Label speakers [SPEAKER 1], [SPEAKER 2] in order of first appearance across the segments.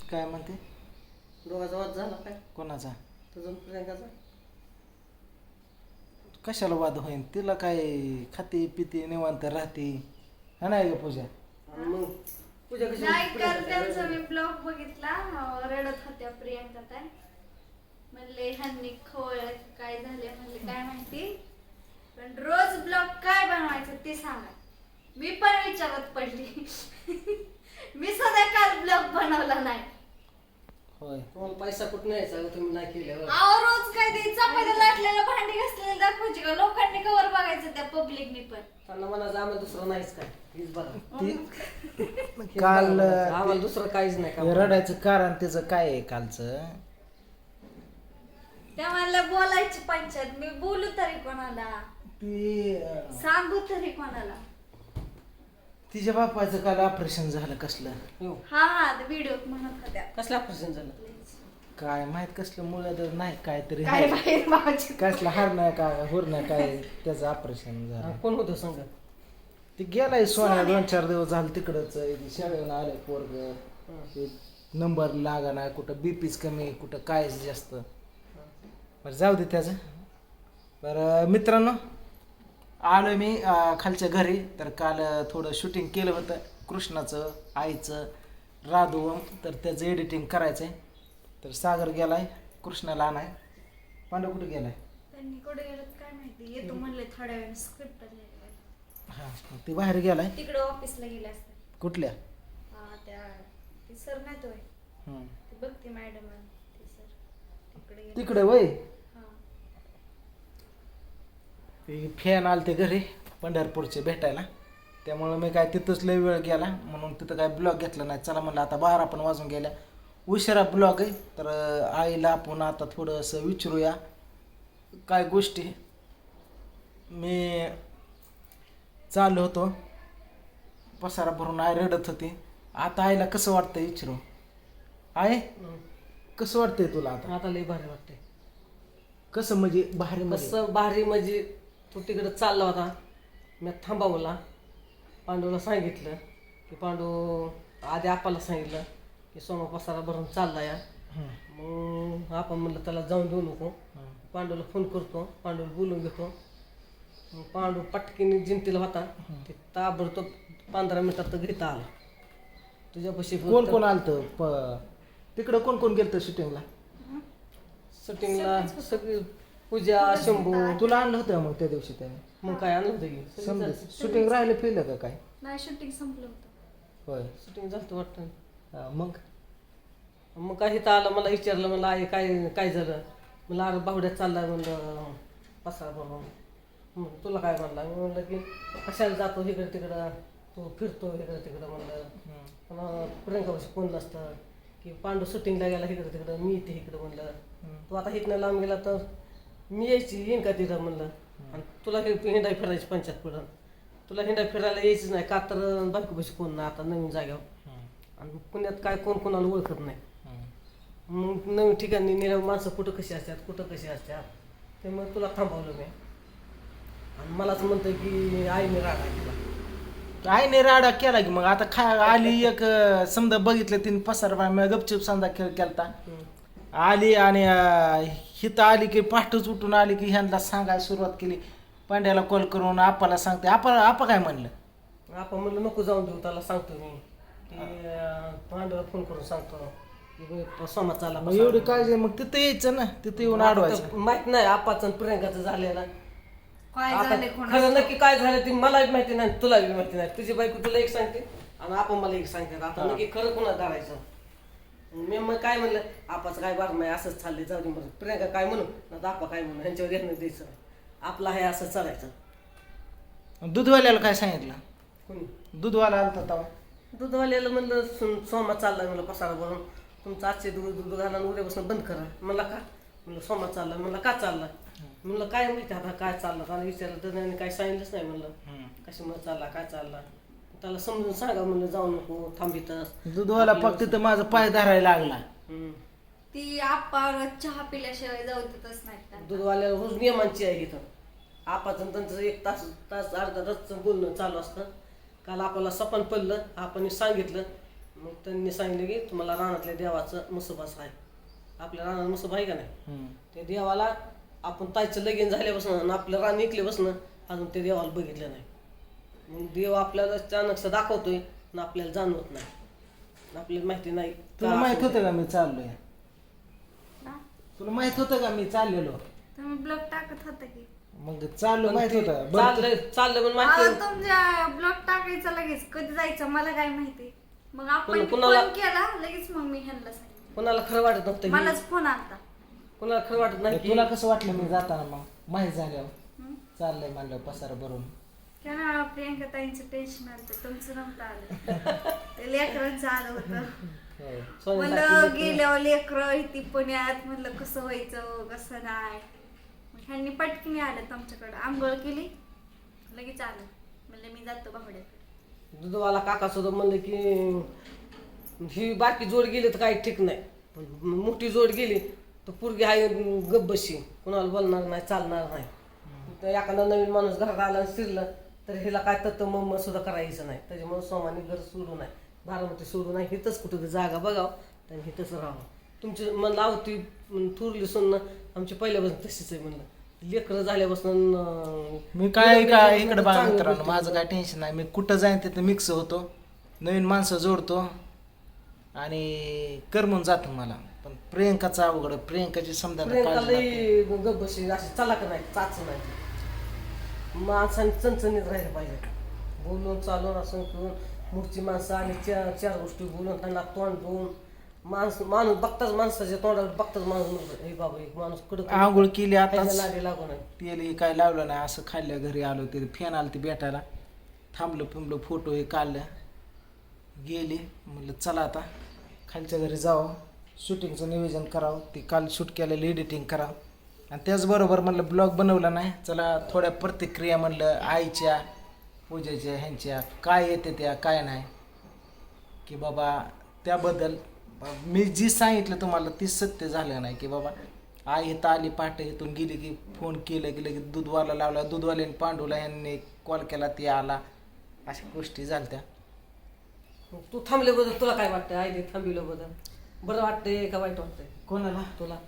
[SPEAKER 1] काय म्हणते?
[SPEAKER 2] दोघाचा वाद झाला काय
[SPEAKER 1] कोणाचा?
[SPEAKER 2] तुझं आणि प्रियंकाचा?
[SPEAKER 1] कशाला वाद होईन? तिला काय खाती पिती निवांत राहते, हा नाही ग पूजा?
[SPEAKER 2] आणि मग पूजा कशी
[SPEAKER 3] नाही काल
[SPEAKER 2] प्रियंका
[SPEAKER 3] त्यांचा
[SPEAKER 2] रडली?
[SPEAKER 3] मी ब्लॉग बघितला. रडत होत्या प्रियंका ताई. म्हणले ह्यांनी खवळ काय झाले म्हणले काय माहिती, पण रोज ब्लॉग काय बनवायचं ते सांगा. मी पण विचारत पडली. मी सुद्धा काल ब्लॉग बनवला नाही.
[SPEAKER 1] होय.
[SPEAKER 2] तुम्हाला पैसा कुठं न्यायचा ग तुम्ही नाही केल्यावर?
[SPEAKER 3] अहो रोज काय ते चपात्या लाटलेलं भांडी घासलेलं दाखवायची का? लोकांनी कवर बघायचं त्या पब्लिकनी पण.
[SPEAKER 2] त्यांना म्हणायचं आम्हाला दुसरं नाहीच काय, हीच बघा.
[SPEAKER 1] ती काल
[SPEAKER 2] आम्हाला दुसरं काहीच नाही
[SPEAKER 1] ते
[SPEAKER 2] का
[SPEAKER 1] रडायचं कारण त्याचं काय आहे कालचं?
[SPEAKER 3] त्या म्हणल्या बोलायची पंचायत. मी बोलू तरी कोणाला,
[SPEAKER 1] ती
[SPEAKER 3] सांगू तरी कोणाला?
[SPEAKER 1] तिच्या बापाचं काल ऑपरेशन झालं कसलं?
[SPEAKER 2] हो.
[SPEAKER 3] हा व्हिडिओ म्हणत होत्या.
[SPEAKER 2] कसलं ऑपरेशन झालं?
[SPEAKER 1] काय माहित कसलं मुलं नाही काहीतरी
[SPEAKER 3] काय
[SPEAKER 1] आहे.
[SPEAKER 3] बाहेर भावाची
[SPEAKER 1] कसलं हारणं काय हुरणं काय त्याचं ऑपरेशन झालं.
[SPEAKER 2] कोण होतं सांग?
[SPEAKER 1] ते गेलाय सोन्या 2-4 दिवस झालं तिकडच शाळेला आलंय पोरग. नंबर लागा नाही, कुठं बीपीच कमी, कुठं काय जास्त. बरं जाऊ दे त्याचं. बरं मित्रांनो, आलो मी खालच्या घरी. तर काल थोडं शूटिंग केलं होतं कृष्णाचं, आईचं, राधू. तर त्याचं एडिटिंग करायचं आहे. तर सागर गेलाय कृष्णाला आणाय. पांडव कुठे गेलाय?
[SPEAKER 3] त्यांनी कुठे गेलं काय माहिती. येतो म्हणले थोड्या वेळ स्क्रिप्ट
[SPEAKER 1] हां, ते बाहेर गेलाय.
[SPEAKER 3] तिकडे ऑफिसला गेले असतात.
[SPEAKER 1] कुठल्या?
[SPEAKER 3] त्या ती सर नाही तो
[SPEAKER 1] हं.
[SPEAKER 3] ती बघते मॅडम ती सर तिकडे गेले.
[SPEAKER 1] तिकडे वय
[SPEAKER 3] हा.
[SPEAKER 1] ते फॅन आले ते घरी पंढरपूरचे भेटायला. त्यामुळं मी काय तिथंच लय वेळ गेला, म्हणून तिथं काय ब्लॉग घेतला नाही. चला म्हणलं आता 12 पण वाजून गेल्या, उशिरा ब्लॉग आहे. तर आईला आपण आता थोडंसं विचारूया काय गोष्टी. मी चाललो होतो, पसारा भरून आई रडत होती. आता आईला कसं वाटतंय विचारू. आई कसं वाटतंय तुला आता?
[SPEAKER 2] आता लई भारी वाटतंय.
[SPEAKER 1] कसं म्हणजे भारी म्हणजे?
[SPEAKER 2] कसं भारी म्हणजे तो तिकडं चालला होता, मी थांबवला. पांडूला सांगितलं की पांडू आधी आपाला सांगितलं की सोमा पसारा भरून चालला या.
[SPEAKER 1] हं.
[SPEAKER 2] मग आपण म्हणलं त्याला जाऊन देऊ नको. पांडूला फोन करतो, पांडूला बोलून घेतो. मग पांडू पटकीने जिंतीला होता, ते ताबडतोब 15 मिनिटात तर घेता आला. तुझ्यापाशी
[SPEAKER 1] कोण कोण आलतं तिकडं? कोण कोण गेलतं शूटिंगला?
[SPEAKER 2] शूटिंगला सगळी पूजा, शंभू.
[SPEAKER 1] तुला आणलं होतं मग त्या दिवशी त्याने?
[SPEAKER 2] मग काय आणलं होतं की
[SPEAKER 1] समजा शूटिंग राहिलं फिरलं का काय?
[SPEAKER 3] नाही शूटिंग संपलं होतं.
[SPEAKER 1] होय.
[SPEAKER 2] शूटिंग झालं होतं वाटतं.
[SPEAKER 1] हा, मग
[SPEAKER 2] मग काय इथं आलं, मला विचारलं, मला आई काय काय झालं. मला अरे बावड्यात चालला म्हणलं पसारा बनवून. मग तुला काय म्हणला? मी म्हणलं की कशाला जातो इकडं तिकडं, तू फिरतो इकडं तिकडं म्हणलं. पण प्रियंकापाशी कोण नसतं की पांडू शूटिंगला गेला इकडं तिकडं, मी इथे इकडं म्हणलं. तू आता इथनं लांब गेला तर मी येईन का तिथं म्हणलं. आणि तुला हे हिंडाई फिरायची पंचायत पडून, तुला हिंडाई फिरायला यायचीच नाही का? तर बायकोपाशी कोण नाही आता नवीन जाग्यावर. आणि पुण्यात काय कोण कोणाला ओळखत नाही. मग नवीन ठिकाणी नेल्यावर माणसं कुठं कशी असतात, कुठं कशी असतात. त्यामुळे तुला थांबवलं मी. आणि मलाच म्हणतं की आईने राडा केला.
[SPEAKER 1] आईने राडा केला की मग आता आली एक समजा बघितलं तिने पसार मी गपचूप समजा खेळ केलता. आली आणि हिथं आली की पाठच उठून आली की ह्यांना सांगायला सुरुवात केली. पांड्याला कॉल करून आपाला सांगते. आपा काय म्हणलं?
[SPEAKER 2] आपण म्हणलं नको जाऊन देऊ, त्याला सांगतो मी की पांडूला फोन करून सांगतो की सोमा चालला.
[SPEAKER 1] मग एवढी काळजी मग तिथं यायचं ना, तिथं येऊन अडवायचं.
[SPEAKER 2] माहित नाही आपाचं आणि प्रियंकाचं झालेलं.
[SPEAKER 3] काय
[SPEAKER 2] आता
[SPEAKER 3] झाले
[SPEAKER 2] खरं
[SPEAKER 3] कोणाला?
[SPEAKER 2] नक्की काय झालं ते मला बी माहिती नाही, तुला बी माहिती नाही. तुझी बायको तुला एक सांगते आणि आपण मला एक सांगते. आता नक्की खरं कोणाला धरायचं? मी मग काय म्हणलं, आपाचं काय बार नाही, असंच चाललंय, जाऊ दे म्हणून. प्रियंका काय म्हणू ना आपा काय म्हणू, ह्यांच्यावर येणं द्यायचं नाही. आपलं आहे असं चालायचं.
[SPEAKER 1] दूधवाल्याला काय सांगितलं?
[SPEAKER 2] कोणी
[SPEAKER 1] दूधवाला आलता तेव्हा?
[SPEAKER 2] दूधवाल्याला म्हणलं सोमा चाललाय म्हणलं पसारा भरून, तुमचं आजचे दूध घाला उद्यापासून बंद करा. मला का? म्हणलं सोमा चाललाय. म्हणलं का चाललाय? म्हणलं काय माहिती आता काय चाललं. त्याला विचारलं तर त्यांनी काय सांगितलंच नाही. म्हणलं कशामुळे चालला, काय चालला. त्याला समजून सांगा म्हणलं, जाऊ नको थांबितच.
[SPEAKER 1] दूधवाला फक्त तिथं माझा पाय धरायला लागला.
[SPEAKER 3] ती आप्पा चहा पिल्याशिवाय जाऊ देतच नाहीत त्यांना.
[SPEAKER 2] दूधवाल्याला रोज नियमांची आहे इथं. आपाचं त्यांचं 1 तास अर्धा तासचं बोलणं चालू असतं. काल आपल्याला सपन पडलं, आपण सांगितलं मग त्यांनी सांगितलं की तुम्हाला रानातल्या देवाचं मुसोबास आहे. आपल्या रानात मुसोबा आहे का नाही,
[SPEAKER 1] हम्म.
[SPEAKER 2] त्या देवाला आपण ताईचं लगीन झाल्यापासून आणि आपलं रान इकल्यापासून अजून त्या देवाला बघितलं नाही. मग देव आपल्याला अचानक दाखवतोय आणि आपल्याला जाणवत नाही, आपल्याला माहिती नाही.
[SPEAKER 1] तुला माहित होतं का मी चाललोय?
[SPEAKER 3] ना?
[SPEAKER 1] तुला माहित होतं का मी चाललेलो?
[SPEAKER 3] तुम्ही ब्लॉग टाकत होता की
[SPEAKER 1] मग चाललो माहित होतं बरं
[SPEAKER 2] चाललं पण
[SPEAKER 3] अहो,
[SPEAKER 2] माहिती
[SPEAKER 3] तुमच्या ब्लॉग टाकायचं लगेच कधी जायचं मला काय माहिती. मग आपण
[SPEAKER 2] कुणाला-
[SPEAKER 3] फोन केला लगेच मग मी ह्यांना सांगितलं.
[SPEAKER 2] कोणाला खरं वाटत नव्हतं हे.
[SPEAKER 3] मलाच फोन आलता.
[SPEAKER 2] कोणाला खरं वाटत नाही की
[SPEAKER 1] तुला कसं वाटलं मी जाताना मग माहीत झाल्यावर
[SPEAKER 3] हं?
[SPEAKER 1] चाललंय म्हणलं पसारा भरून.
[SPEAKER 3] काय ना प्रियंका ताईंचं टेन्शन आलं तुमचं नव्हतं आलं. ते लेकरांचं आलं होतं.
[SPEAKER 1] हो.
[SPEAKER 2] सोन्यासारखी
[SPEAKER 3] म्हणलं
[SPEAKER 2] लेकरं.
[SPEAKER 3] गेल्यावर लेकरं इथे पुण्यात म्हणलं कसं व्हायचं कसं नाही. मग ह्यांनी पटकीने आलं आमच्याकडं आंघोळ केली लगेच आलं. म्हणलं मी जातो बाहुड्याकडे.
[SPEAKER 2] दुधवाला काका सुद्धा म्हणलं की ही बाकी जोड गेली तर काही ठीक नाही, पण मोठी जोड गेली तर पोरगी आहे गप्प बशी, कुणाला बोलणार नाही चालणार नाही. तर एखादा नवीन माणूस घरात आला आणि शिरलं तर हिला काय तत्व मम्मा सुद्धा करायचं नाही. त्याच्यामुळे सोमाने घर सोडू नाही, बारामती सोडू नाही, हिथंच कुठं तरी जागा बघावं आणि हिथंच राहावं. तुमची म्हणलं आवती थोरली सुन्न आमची पहिल्यापासून तशीच आहे. म्हणलं लेकरं झाल्यापासून
[SPEAKER 1] मी काय काय इकडे बघा
[SPEAKER 2] चांगलं
[SPEAKER 1] मित्रांनो,
[SPEAKER 2] गोष्टी
[SPEAKER 1] माझं काय टेन्शन नाही. मी कुठं जाईन तिथं मिक्स होतो, नवीन माणसं जोडतो आणि करमून जातं मला. पण प्रियंकाचं अवघड, प्रियंकाची समजा
[SPEAKER 2] प्रियंका लई गप्प बशी अशी चलाक नाही, चाच नाही. माणसाने चणचणीत राहिलं पाहिजे, बोलून चालून असं करून मूर्ती माणसं आणि चार गोष्टी बोलून त्यांना तोंड देऊन माणूस बघताच माणसाच्या तोंडावर बघताच माणूस म्हणतो हे बाबा एक माणूस कडक
[SPEAKER 1] आंघोळ केली आताच,
[SPEAKER 2] नाडी लागू नाही.
[SPEAKER 1] तेल काय लावलं नाही. असं खाल्ल्या घरी आलो, ते फॅन आलं ते भेटायला, थांबलं पिंबलं, फोटो हे काढलं, गेली. म्हणलं चला आता खालच्या घरी जावं, शूटिंगचं नियोजन करावं, ते काल शूट केलेलं एडिटिंग करावं. आणि त्याचबरोबर म्हणलं ब्लॉग बनवला नाही, चला थोड्या प्रतिक्रिया म्हणलं आईच्या पूजेच्या ह्यांच्या काय येते त्या काय नाही, की बाबा त्याबद्दल मी जी सांगितलं तुम्हाला ती सत्य झालं नाही. की बाबा आई इथं आली पहाटे, इथून गेली की फोन केलं की लगेच दूधवाला लावला, दूधवाल्याने पांडूला ह्यांनी कॉल केला, ती आला, अशा गोष्टी झाल्या.
[SPEAKER 2] तू थांबल्याबद्दल तुला काय वाटतं? आईने थांबल्याबद्दल बरं वाटतंय का वाईट वाटतंय
[SPEAKER 1] कोणाला?
[SPEAKER 2] तुला?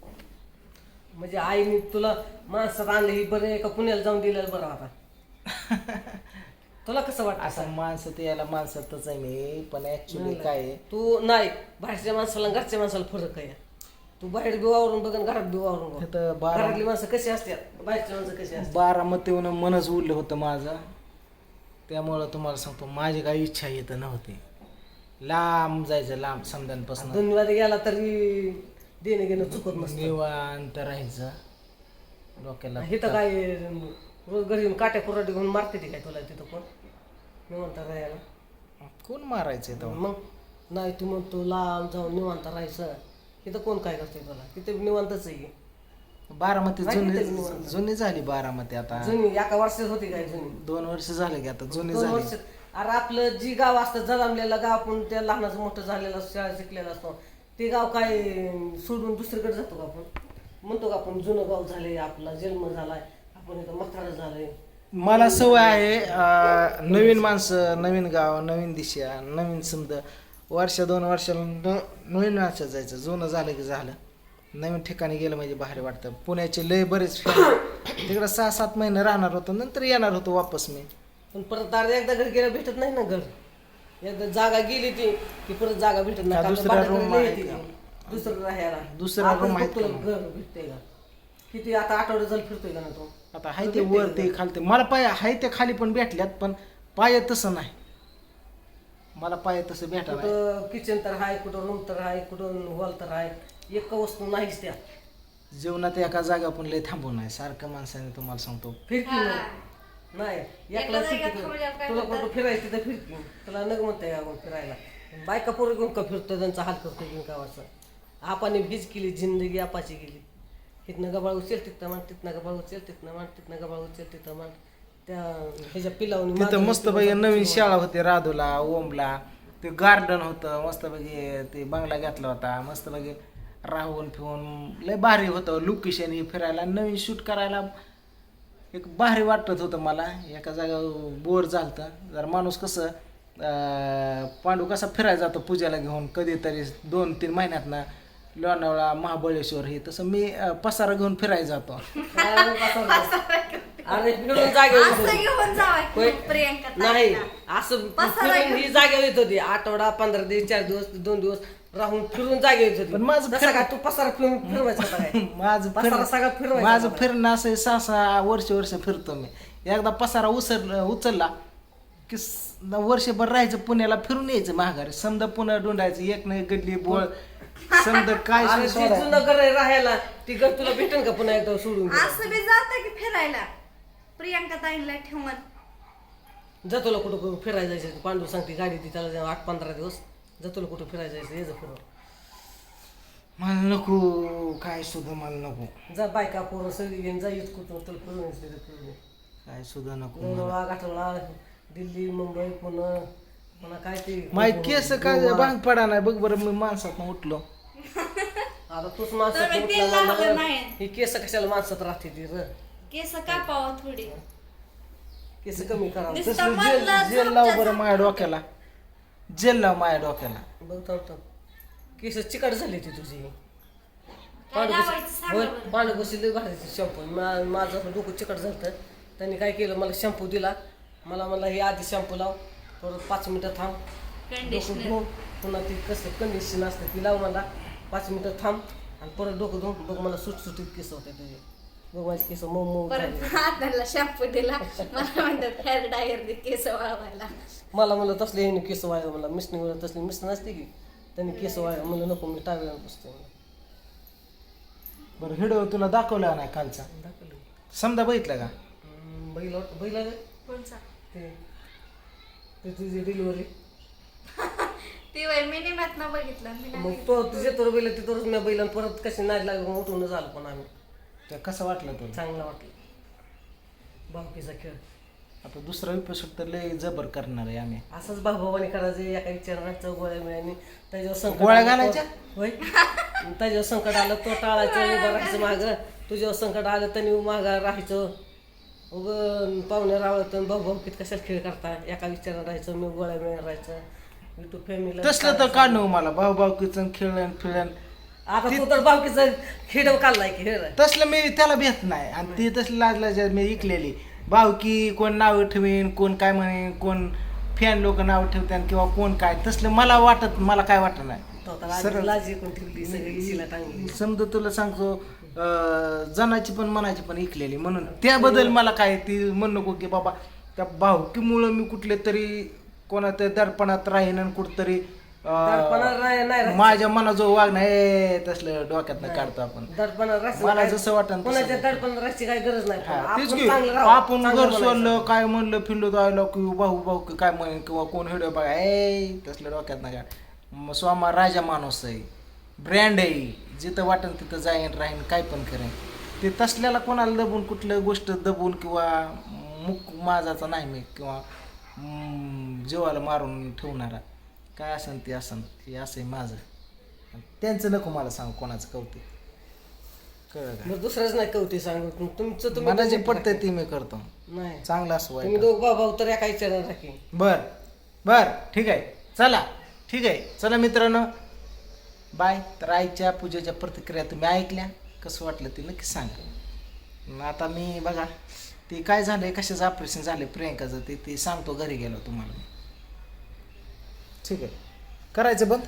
[SPEAKER 2] म्हणजे आईने तुला माणसात आणलं ही बरं आहे का पुण्याला जाऊन दिलेलं बरं आता? तुला कसं वाटतं?
[SPEAKER 1] असं माणसं ते याला माणसातच आहे मी, पण ऍक्च्युली काय आहे,
[SPEAKER 2] तू नाही बाहेरच्या माणसाला आणि घरच्या माणसाला फरक आहे. तू बाहेर बिवावरून बघ आणि घरात बिवावरून बघ.
[SPEAKER 1] तिथं बारा
[SPEAKER 2] घरातली माणसं कशी असतात, बाहेरची माणसं कशी असतात.
[SPEAKER 1] बारामतीहून मनच उरलं होतं माझं. त्यामुळं तुम्हाला सांगतो माझी काही इच्छा येत नव्हती लांब जायचं, लांब समजांपासून
[SPEAKER 2] धन्यवाद गेला तरी देणं घेणं चुकत नसतं.
[SPEAKER 1] निवांत राहायचं, डोक्याला
[SPEAKER 2] हे तर काय रोज घरी येऊन काट्या कुराटी घेऊन मारते ती काय तुला तिथं कोण निवांत राहायला?
[SPEAKER 1] कोण मारायचं तेव्हा?
[SPEAKER 2] मग नाही तू म्हणतो लांब जाऊन निवांत राहायचं, इथं कोण काय करते तुला? तिथे निवांतच आहे.
[SPEAKER 1] बारामती
[SPEAKER 2] नाही
[SPEAKER 1] जुनी
[SPEAKER 2] तिथं निवांत.
[SPEAKER 1] जुनी झाली बारामती आता,
[SPEAKER 2] जुनी एका वर्षात होती काय जुनी?
[SPEAKER 1] 2 वर्ष झाले की आता जुनी
[SPEAKER 2] 2
[SPEAKER 1] झाली.
[SPEAKER 2] वर्ष. अरे आपलं जी गाव असतं जलमलेलं गाव, आपण त्या लहानाचं मोठं झालेलं शाळा शिकलेलं असतो, ते गाव काय सोडून दुसरीकडे जातो का आपण? म्हणतो का आपण जुनं गाव झालंय, आपला जन्म झालाय, आपण इथं म्हातारं झालंय.
[SPEAKER 1] मला सवय आहे नवीन माणसं, नवीन गाव, नवीन दिशा, नवीन समजा वर्ष 2 वर्षाला नवीन माणसात जायचं, जुनं झालं की झालं. नवीन ठिकाणी गेलं म्हणजे भारी वाटतं. पुण्याचे लय बरेच तिकडं 6-7 महिने राहणार होतो, नंतर येणार होतो वापस मी.
[SPEAKER 2] पण परत अर्धा एकदा घरी गेलं भेटत नाही ना घर. एकदा जागा गेली ती की परत जागा भेटत नाही.
[SPEAKER 1] का
[SPEAKER 2] कारण
[SPEAKER 1] दुसरा
[SPEAKER 2] भाड्याकडे
[SPEAKER 1] room
[SPEAKER 2] लई
[SPEAKER 1] आहे
[SPEAKER 2] येते
[SPEAKER 1] का?
[SPEAKER 2] ती. दुसरं राहायला
[SPEAKER 1] दुसरा
[SPEAKER 2] आपण
[SPEAKER 1] room आहे
[SPEAKER 2] बघतोय
[SPEAKER 1] का?
[SPEAKER 2] घर भेटतंय का? किती आता आठवडे झालं फिरतोय का ना तो?
[SPEAKER 1] आता हाय ते वर ते खाली, ते मला पाय हाय ते खाली पण भेटल्यात, पण पाय तसं नाही, मला पाय तसं भेटा नाही.
[SPEAKER 2] कुठं किचन तर आहे, कुठं रूम तर आहे, कुठं हॉल तर आहे, एक वस्तू नाहीच त्या.
[SPEAKER 1] जीवनात एका जागा पण लय थांबू नाही सारखं माणसाने, तुम्हाला सांगतो.
[SPEAKER 2] फिरकी
[SPEAKER 3] हा.
[SPEAKER 2] नाही
[SPEAKER 3] एका
[SPEAKER 2] एकला
[SPEAKER 3] जागेत
[SPEAKER 2] फिरकी.
[SPEAKER 3] थांबल्यावर काय
[SPEAKER 2] तुला
[SPEAKER 3] होतं?
[SPEAKER 2] कुठं फिरायचं तिथं फिरकी, तुला नग म्हणते आपण फिरायला. बायका पोरं घेऊन का फिरतो, त्यांचा हाल करतो घेऊन गावाचा. आपण भीज केली जिंदगी आपाची गेली. तिथनं गबाळ उचल तिथनं मान, तिथनं गबाळ उचल तिथनं मान, तिथनं गबाळ उचल तिथं मान. त्या ह्याच्या पिलावून
[SPEAKER 1] तिथं मस्तपैकी नवीन शाळा होती राधूला, ओमला, ते गार्डन होतं मस्तपैकी, ते बंगला घेतला होता मस्तपैकी, राहून फिरून लय भारी होतं. लोकेशन हे फिरायला नवीन शूट करायला एक भारी वाटत होतं मला. एका जागा बोर झालतं. जर माणूस कसं पांडू कसा फिरायला जातो पूजेला घेऊन कधीतरी 2-3 महिन्यात ना लोणावळा महाबळेश्वर हे तसं मी पसारा घेऊन फिरायला जातो.
[SPEAKER 2] अरे फिरून जागेवर येत
[SPEAKER 3] असं
[SPEAKER 2] होती.
[SPEAKER 3] घेऊन
[SPEAKER 2] होय.
[SPEAKER 3] जावा प्रियंका
[SPEAKER 2] नाही
[SPEAKER 3] ताईला.
[SPEAKER 2] असं
[SPEAKER 3] पसारा
[SPEAKER 2] फिरून ही जागेवर येत होती. आठवडा 15 दिवस 4 दिवस 2 दिवस राहून फिरून जागेवर येत
[SPEAKER 1] पण
[SPEAKER 2] होती.
[SPEAKER 1] माझं
[SPEAKER 2] तसं काय तू पसारा फिरवायचा होता काय?
[SPEAKER 1] माझं
[SPEAKER 2] पसारा सगळा फिरवायचा
[SPEAKER 1] माझं
[SPEAKER 2] होता.
[SPEAKER 1] फिरणं असं 6-6 वर्ष फिरतो मी. एकदा पसारा उचलला की वर्षभर राहायचं पुण्याला फिरून यायचं महागारी समजा पुन्हा डोंडायचं एक नाही गडली बोळ समजा काय
[SPEAKER 2] अरे
[SPEAKER 1] सोडायचं.
[SPEAKER 2] ते जुनं घर आहे राहायला ती घर तुला भेटेल का पुन्हा एकदा सोडून गेलं?
[SPEAKER 3] असं बी जात की फिरायला प्रियंका ताईला ठेवून.
[SPEAKER 2] जा तुला कुठं फिरायला जायचं पांडू सांगते गाडी ती त्याला 8-15 दिवस जा तुला कुठं फिरायला जायचं ये जा फिरून
[SPEAKER 1] मला नको काय सुद्धा मला नको
[SPEAKER 2] जा बायका पोरं सगळी घेऊन जा येत कुठं तुला फिरून यायचं तिथं फिरून ये.
[SPEAKER 1] काय सुद्धा नको
[SPEAKER 2] लोणावळा गाठवळा दिल्ली मुंबई पुणे पुन्हा काय ते
[SPEAKER 1] माय केस काय भांग पडा नाही बघ बरं मी माणसात उठलो.
[SPEAKER 2] आता तूच माणसात
[SPEAKER 3] तुम्ही
[SPEAKER 2] उठला
[SPEAKER 3] तेल लावलं
[SPEAKER 2] म्हणल्यावर
[SPEAKER 3] नाही.
[SPEAKER 2] ही केस कशाला माणसात राहते ती र
[SPEAKER 3] केस कापावं थोडी.
[SPEAKER 2] केस कमी करावं
[SPEAKER 3] नुसतं
[SPEAKER 1] तसलं
[SPEAKER 3] म्हणलं
[SPEAKER 1] जेल लाव
[SPEAKER 3] झोपच्या
[SPEAKER 1] बरं माझ्या डोक्याला जेल लाव माझ्या डोक्याला.
[SPEAKER 2] बघ थांब केस चिकट झाली ती तुझी
[SPEAKER 3] काय लावायचं सांगा
[SPEAKER 2] होय
[SPEAKER 3] बरं.
[SPEAKER 2] पांढरकशी लई घालायची शॅम्पू माझं असं डोकं चिकट झालं त्यांनी काय केलं मला शॅम्पू दिला मला म्हणला हे आधी शॅम्पू लाव परत 5 मिनिटं थांब डोकं
[SPEAKER 3] कंडिशनर.
[SPEAKER 2] धुवून पुन्हा ती कसं कंडिशन असते ती लाव मला 5 मिनिटं थांब आणि परत डोकं धुवून बघ मला सुटसुटीत केस होते तुझे बघ माझे केस मऊ मऊ झाले.
[SPEAKER 3] परत हाताला शॅम्पू दिला मला म्हणतात हेअर डायर दे केस वाळवायला.
[SPEAKER 2] मला म्हणलं तसले ह्याने केस वाळवा मला मिसनी तसली मिस नसते की त्यांनी केस वाळवा म्हणलं नको मी टावेला बसते
[SPEAKER 1] बरं व्हिडिओ तुला दाखवला नाही कालचा
[SPEAKER 2] दाखवलं
[SPEAKER 1] समजा बघितलं का
[SPEAKER 2] बैला
[SPEAKER 3] कोणचा
[SPEAKER 2] ते ते तुझी डिलिव्हरी
[SPEAKER 3] ती वय मिनिमॅतनं बघितलं मी नाही
[SPEAKER 2] मग तो तुझे तर बैल ते तरच मी बैल परत कशी नाही लागून उठून झालं पण आम्ही
[SPEAKER 1] ते कसं वाटलं तुला
[SPEAKER 2] चांगलं वाटलं भावकीचा खेळ
[SPEAKER 1] आता दुसरा एपिसोड तर लय जबर करणार आहे आम्ही.
[SPEAKER 2] असंच भावाने करायचं एका विचारांचं गोळ्या मिळाने त्याच्यावर संकट
[SPEAKER 1] गोळ्या
[SPEAKER 2] आलं तो-
[SPEAKER 1] घालायच्या?
[SPEAKER 2] होय त्याच्यावर संकट आलं तो टाळायचं उभं राहायचं मागं तुझ्यावर संकट आलं त्यांनी मागं राहायचं उग पाहुणे रावळत भाऊ भाऊकीत कशाला खेळ करता एका विचारानं राहायचं मी गोळ्या मिळून राहायचं युट्यूब फॅमिली
[SPEAKER 1] तसलं तर काढणं मला भाऊ भाऊ किचन खेळण फिरण
[SPEAKER 2] आता तू तर भावकीचं खेळ काढलाय की खेळ
[SPEAKER 1] तसलं मी त्याला भेट नाही आणि ती तसली लाजला मी ऐकलेली भावकी कोण नाव ठेवीन कोण काय म्हणेन कोण फॅन लोक नाव ठेवतात किंवा कोण काय तसलं मला काय वाटत नाही. सरळ.
[SPEAKER 2] लाजी कोण ठेवली सगळी शिला टांगली
[SPEAKER 1] समजा तुला सांगतो जनाची पण मनाची पण ऐकलेली म्हणून त्याबद्दल मला काय ती म्हणू नको की बाबा त्या भावकीमुळं मी कुठले तरी कोणाच्या दडपणात राहीन आणि कुठतरी
[SPEAKER 2] दडपणा नाही राहायचं.
[SPEAKER 1] माझ्या मनाजवळ वागणं हे तसलं डोक्यातनं काढतो आपण.
[SPEAKER 2] दडपणा राहायचं
[SPEAKER 1] मला
[SPEAKER 2] काय-
[SPEAKER 1] जसं वाटन तसं
[SPEAKER 2] कोणाच्या
[SPEAKER 1] करतो.
[SPEAKER 2] दडपण राहायची काही गरज नाही
[SPEAKER 1] हा,
[SPEAKER 2] आपण
[SPEAKER 1] तेच की
[SPEAKER 2] चांगलं राहावं,
[SPEAKER 1] आपण
[SPEAKER 2] चांगलं
[SPEAKER 1] घर
[SPEAKER 2] बोलायचं.
[SPEAKER 1] सोडलं काय म्हणलं फिरलो जायला की भाऊ भाऊ की काय म्हणेन किंवा कोण हिडो बघा ए तसलं डोक्यात नका स्वामा राजा माणूस आहे ब्रँड आहे जिथं वाटेल तिथं जाईन राहीन काय पण करेन ते तसल्याला कोणाला दबून कुठलं गोष्ट दबून किंवा मुक माझाचा नाही मी किंवा जीवाला मारून ठेवणारा काय असन ते असन हे असं आहे माझं त्यांचं नको मला सांग कोणाचं कौतुक कळलं का
[SPEAKER 2] मग दुसरंच नाही कवटी सांगू तुमचं तुम्ही
[SPEAKER 1] मला जे
[SPEAKER 2] दोघं
[SPEAKER 1] पडतंय ते मी करतो
[SPEAKER 2] नाही
[SPEAKER 1] चांगलं असं
[SPEAKER 2] तुम्ही
[SPEAKER 1] वाईट
[SPEAKER 2] दोघ भाऊ तर एका विचारानं राखी
[SPEAKER 1] बर ठीक आहे चला ठीक आहे चला मित्रांनो बाय तर आईच्या पूजेच्या प्रतिक्रिया तुम्ही ऐकल्या कसं वाटलं ते नक्की सांगा. आता मी बघा ते काय झालंय कशाचं ऑपरेशन झालंय प्रियंकाचं ते सांगतो घरी गेलो तुम्हाला. ठीक आहे करायचं बंद.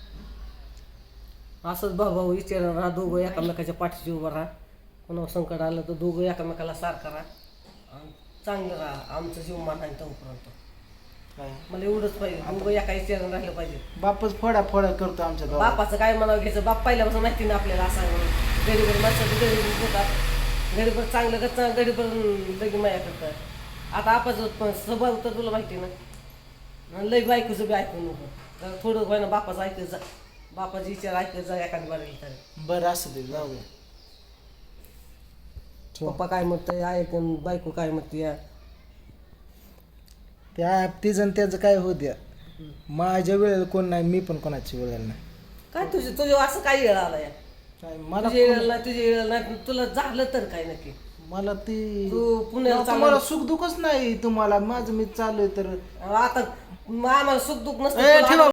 [SPEAKER 2] असंच भाऊ विचारानं राहा दोघं एकामेकाच्या पाठीशी उभं राहा कोणावर संकट आलं तर दोघं एकामेकाला सारखा राहा आणि चांगलं राहा आमचं जीव मान आहे तोपर्यंत
[SPEAKER 1] काय
[SPEAKER 2] मला एवढंच पाहिजे दोघं एका विचारानं राहिलं पाहिजे
[SPEAKER 1] बापच फोडा करतो आमच्या गावात.
[SPEAKER 2] बापाचं काय म्हणावं घ्यायचं बाप पहिल्यापासून माहिती ना आपल्याला असं गडीभर माणसाचं गडीभर होतात गडीभर चांगलं गच्च गडीभर लगी माया करतात आता आपाचं पण स्वभाव तर तुला माहिती ना लई बायकोचं बी ऐकून नको जरा थोडं व्हाय ना बापाचं ऐकत जा बापाचे विचार ऐकत जा एखादी बारील तर
[SPEAKER 1] बरं असं दे जाऊ दे.
[SPEAKER 2] पप्पा काय म्हणतंय ऐक बायको काय म्हणते
[SPEAKER 1] त्या तिचं आणि त्याचं काय होऊ द्या माझ्या वेळेला कोण नाही मी पण कोणाची वेळेला नाही
[SPEAKER 2] काय तुझं असं काय येळ आला या
[SPEAKER 1] काय मला
[SPEAKER 2] तुझ्या येळ नाही तुझ्या येळ नाही तुला झालं तर काय नक्की
[SPEAKER 1] मला ती
[SPEAKER 2] तू पुण्याला
[SPEAKER 1] तुम्हाला सुख दुखच नाही तुम्हाला माझं मी चालू तर
[SPEAKER 2] आता आम्हाला सुख दुःख नसतं
[SPEAKER 1] ए,
[SPEAKER 2] तुला
[SPEAKER 1] ठेवा.